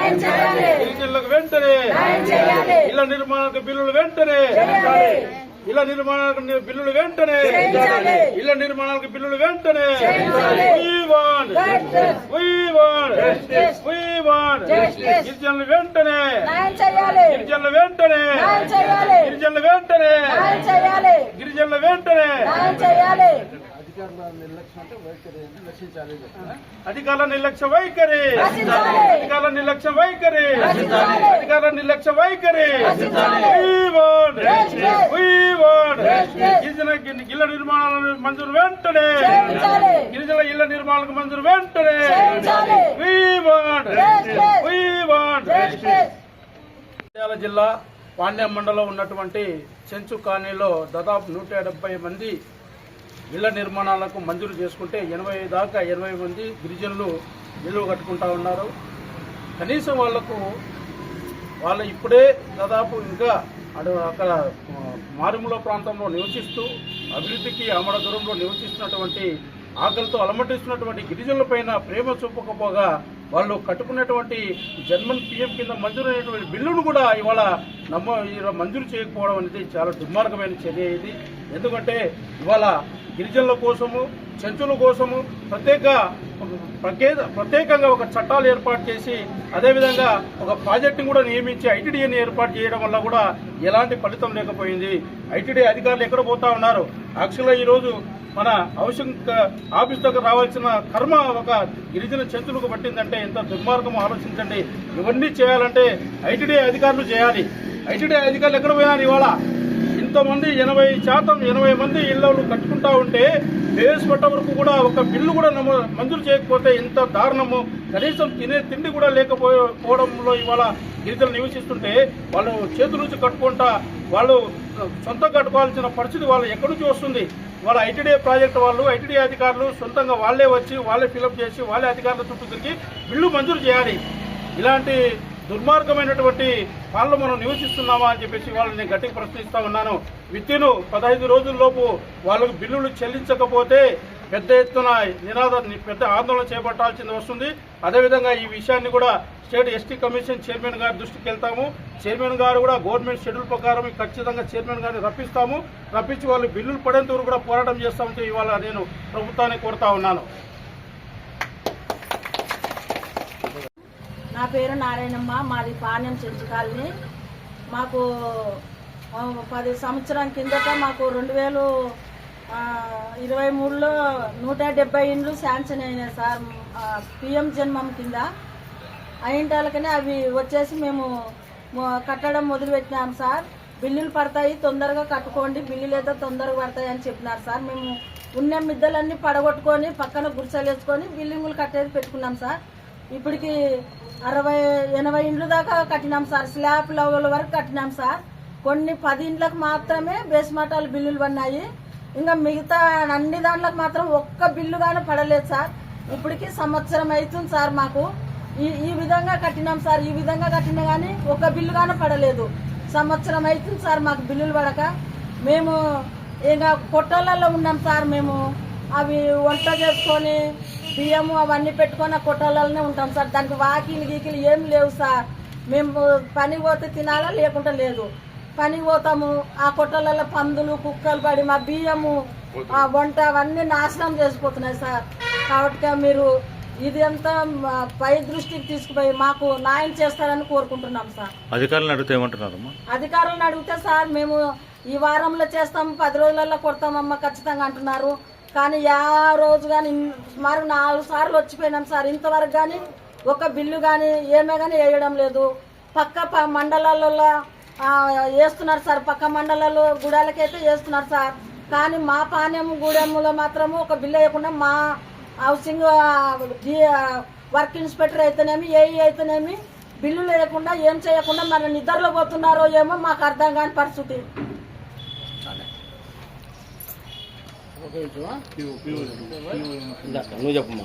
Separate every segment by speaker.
Speaker 1: గిరిజనులకు వెంటనే ఇళ్ల నిర్మాణాలకు బిల్లులు వెంటనే ఇళ్ల నిర్మాణాలకు బిల్లులు వెంటనే ఇళ్ల నిర్మాణాలకు బిల్లులు వెంటనే గిరిజనులు వెంటనే గిరిజనులు వెంటనే గిరిజనులు వెంటనే గిరిజనుల వెంటనే అధికారుల నిర్లక్ష్య వైఖరి అధికారుల నిర్లక్ష్య వైఖరి అధికారుల నిర్లక్ష్య వైఖరి గిరిజన ఇళ్ల నిర్మాణాలను మంజూరు వెంటనే గిరిజన ఇళ్ల నిర్మాణాలకు మంజూరు వెంటనే నంద్యాల జిల్లా పాండ్యం మండలం ఉన్నటువంటి చెంచు కాలనీలో దాదాపు 170 మంది ఇళ్ల నిర్మాణాలకు మంజూరు చేసుకుంటే 80 దాకా 80 మంది గిరిజనులు ఇల్లు కట్టుకుంటా ఉన్నారు. కనీసం వాళ్ళు ఇప్పుడే దాదాపు ఇంకా అక్కడ మారుమూల ప్రాంతంలో నివసిస్తూ అభివృద్ధికి ఆమడ దూరంలో నివసిస్తున్నటువంటి ఆకలితో అలమటిస్తున్నటువంటి గిరిజనులపైన ప్రేమ చూపకపోగా వాళ్ళు కట్టుకున్నటువంటి జన్మన్ పిఎం కింద మంజూరైనటువంటి బిల్లును కూడా ఇవాళ మంజూరు చేయకపోవడం అనేది చాలా దుర్మార్గమైన చర్య ఇది. ఎందుకంటే ఇవాళ గిరిజనుల కోసము చెంచుల కోసము ప్రత్యేకంగా ఒక చట్టాలు ఏర్పాటు చేసి అదేవిధంగా ఒక ప్రాజెక్టును కూడా నియమించి ఐటీడీని ఏర్పాటు చేయడం వల్ల కూడా ఎలాంటి ఫలితం లేకపోయింది. ఐటీడీ అధికారులు ఎక్కడ పోతా ఉన్నారు? యాక్చువల్గా ఈరోజు మన ఆఫీస్ దగ్గర రావాల్సిన కర్మ ఒక గిరిజన చెంచులకు పట్టిందంటే ఎంత దుర్మార్గం ఆలోచించండి. ఇవన్నీ చేయాలంటే ఐటీడీ అధికారులు చేయాలి. ఐటీడీ అధికారులు ఎక్కడ పోయినారు? ఇవాళ ఇంతమంది 80 మంది ఇళ్లను కట్టుకుంటా ఉంటే బేస్ పట్ట వరకు కూడా ఒక బిల్లు కూడా మంజూరు చేయకపోతే ఎంత దారుణము. కనీసం తినే తిండి కూడా లేకపోవడంలో ఇవాళ గిరిజనులు నివసిస్తుంటే వాళ్ళు చేతుల నుంచి కట్టుకుంటా వాళ్ళు సొంతంగా కట్టుకోవాల్సిన పరిస్థితి వాళ్ళు ఎక్కడి నుంచి వస్తుంది? వాళ్ళ ఐటీడీ ప్రాజెక్టు వాళ్ళు ఐటీడీ అధికారులు సొంతంగా వాళ్ళే వచ్చి వాళ్ళే ఫిలప్ చేసి వాళ్ళే అధికారుల చుట్టూ తిరిగి బిల్లు మంజూరు చేయాలి. ఇలాంటి దుర్మార్గమైనటువంటి పాలన మనం నివసిస్తున్నామా అని చెప్పేసి వాళ్ళని నేను గట్టిగా ప్రశ్నిస్తా ఉన్నాను. విత్తిను 15 రోజుల్లోపు వాళ్ళకు బిల్లులు చెల్లించకపోతే పెద్ద ఎత్తున పెద్ద ఆందోళన చేపట్టాల్సింది వస్తుంది. అదేవిధంగా ఈ విషయాన్ని కూడా స్టేట్ ఎస్టీ కమిషన్ చైర్మన్ గారి దృష్టికి వెళ్తాము. చైర్మన్ గారు కూడా గవర్నమెంట్ షెడ్యూల్ ప్రకారం ఖచ్చితంగా చైర్మన్ గారిని రప్పించి వాళ్ళు బిల్లులు పడేంత వరకు కూడా పోరాటం చేస్తామంటే ఇవాళ నేను ప్రభుత్వాన్ని కోరుతా ఉన్నాను.
Speaker 2: నా పేరు నారాయణమ్మ, మాది పాణ్యం చెంచు కాలనీ. మాకు 10 సంవత్సరం కిందట మాకు 2023లో 170 ఇండ్లు శాంక్షన్ అయినాయి సార్. పిఎం జన్మం కింద అయింటాలకనే అవి వచ్చేసి మేము కట్టడం మొదలుపెట్టినాం సార్. బిల్లులు పడతాయి, తొందరగా కట్టుకోండి, బిల్లులు ఏదో తొందరగా పడతాయి అని చెప్పినారు సార్. మేము ఉన్న మిద్దలన్నీ పడగొట్టుకొని పక్కన గుడిసెలు వేసుకొని బిల్డింగులు కట్టేది పెట్టుకున్నాం సార్. ఇప్పటికి 60-80 ఇండ్లు దాకా కట్టినాం సార్. స్లాబ్ లెవెల్ వరకు కట్టినాం సార్. కొన్ని 10 ఇండ్లకు మాత్రమే బేస్మటాలు బిల్లులు పడినాయి. ఇంకా మిగతా అన్ని దాంట్లకు మాత్రం ఒక్క బిల్లు గానీ పడలేదు సార్. ఇప్పటికి సంవత్సరం అవుతుంది సార్. మాకు ఈ విధంగా కట్టినాం సార్. ఈ విధంగా కట్టినా కానీ ఒక్క బిల్లు గానీ పడలేదు. సంవత్సరం అవుతుంది సార్ మాకు బిల్లులు పడక. మేము ఇంకా కొట్టలలో ఉన్నాం సార్. మేము అవి వంట చేసుకొని బియ్యము అవన్నీ పెట్టుకొని ఆ కొట్టాలనే ఉంటాం సార్. దానికి వాకిలు గీకిలు ఏం లేవు సార్. మేము పనికి పోతే తినాలా లేకుండా లేదు. పనికి పోతాము, ఆ కొట్టాలలో పందులు కుక్కలు పడి మా బియ్యము ఆ వంట అవన్నీ నాశనం చేసిపోతున్నాయి సార్. కాబట్టి మీరు ఇది అంతా పై దృష్టికి తీసుకుపోయి మాకు న్యాయం చేస్తారని కోరుకుంటున్నాం సార్.
Speaker 3: అధికారులను అడిగితే ఏమంటున్నారమ్మా?
Speaker 2: అధికారులను అడిగితే సార్ మేము ఈ వారంలో చేస్తాం, 10 రోజులలో కొడతామమ్మా ఖచ్చితంగా అంటున్నారు. కానీ రోజు కానీ సుమారు 4 సార్లు వచ్చిపోయినాం సార్. ఇంతవరకు కానీ ఒక బిల్లు కానీ ఏమే కానీ వేయడం లేదు. పక్క మండలాలలో వేస్తున్నారు సార్. పక్క మండలాలు గూడాలకైతే వేస్తున్నారు సార్. కానీ మా పాణ్యం గూడెంలో మాత్రము ఒక బిల్లు వేయకుండా మా హౌసింగ్ వర్క్ ఇన్స్పెక్టర్ అయితేనేమి ఏఈ అయితేనేమి బిల్లు లేకుండా ఏం చేయకుండా మన నిద్రలో పోతున్నారో ఏమో మాకు అర్థం కాని పరిస్థితి.
Speaker 3: నువ్వు చెప్పమ్మా.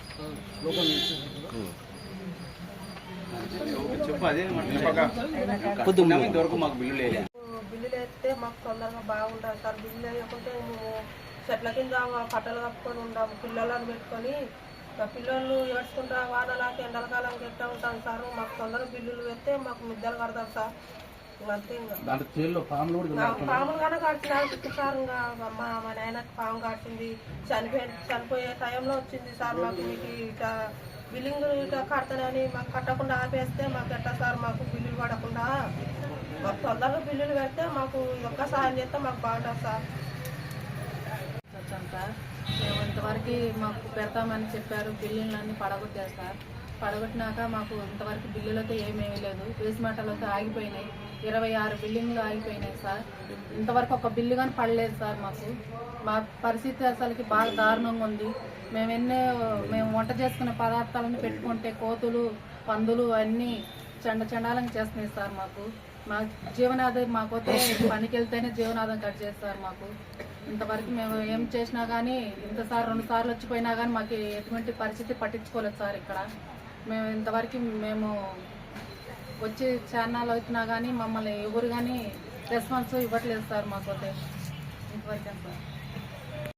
Speaker 4: బిల్లులు వేస్తే మాకు తొందరగా బాగుంటుంది సార్. బిల్లు వేయకుంటే మేము చెట్ల కింద పట్టలు కప్పుకొని ఉంటాము. పిల్లలను పెట్టుకొని మా పిల్లలు ఏడ్చుకుంటా వానలాకి ఎండలకాలం ఎట్టా ఉంటాం సార్. మాకు తొందరగా బిల్లులు పెడితే మాకు మిద్దెలు కడతాం సార్. అంతే ఇంకా పాములుగానే కట్టినారు సార్. ఇంకా మా నాయనకి పాము కాసింది, చనిపోయే టైంలో వచ్చింది సార్. మాకు మీకు ఇట్లా బిల్లింగ్ ఇట్లా కడతానని మాకు కట్టకుండా ఆపేస్తే మాకు ఎట్టా సార్? మాకు బిల్లులు పడకుండా మాకు తొందరగా బిల్లులు పెడితే మాకు ఒక్క సాయం చేస్తే మాకు బాగుంటుంది సార్.
Speaker 3: వచ్చాం సార్. మేము ఇంతవరకు మాకు పెడతామని చెప్పారు, బిల్లులన్నీ పడగొట్టారు సార్. పడగొట్టినాక మాకు ఇంతవరకు బిల్లులు అయితే ఏమేమీ లేదు. వేసి మాటలు అయితే ఆగిపోయినాయి. 26 బిల్డింగ్లు ఆగిపోయినాయి సార్. ఇంతవరకు ఒక బిల్లు కానీ పడలేదు సార్. మా పరిస్థితి అసలుకి బాగా దారుణంగా ఉంది. మేము వంట చేసుకునే పదార్థాలను పెట్టుకుంటే కోతులు, పందులు అన్నీ చండాలంగా చేస్తున్నాయి సార్. మా జీవనాధారం మాకైతే పనికి వెళ్తేనే జీవనాధారం కట్ చేస్తారు మాకు. ఇంతవరకు మేము ఏం చేసినా కానీ ఇంతసారి 2 సార్లు వచ్చిపోయినా కానీ మాకు ఎటువంటి పరిస్థితి పట్టించుకోలేదు సార్. ఇక్కడ మేము ఇంతవరకు మేము వచ్చి ఛానల్ అవుతున్నా కానీ మమ్మల్ని ఎవరు కానీ రెస్పాన్స్ ఇవ్వట్లేదు సార్. మాకైతే ఇంతవరకే సార్.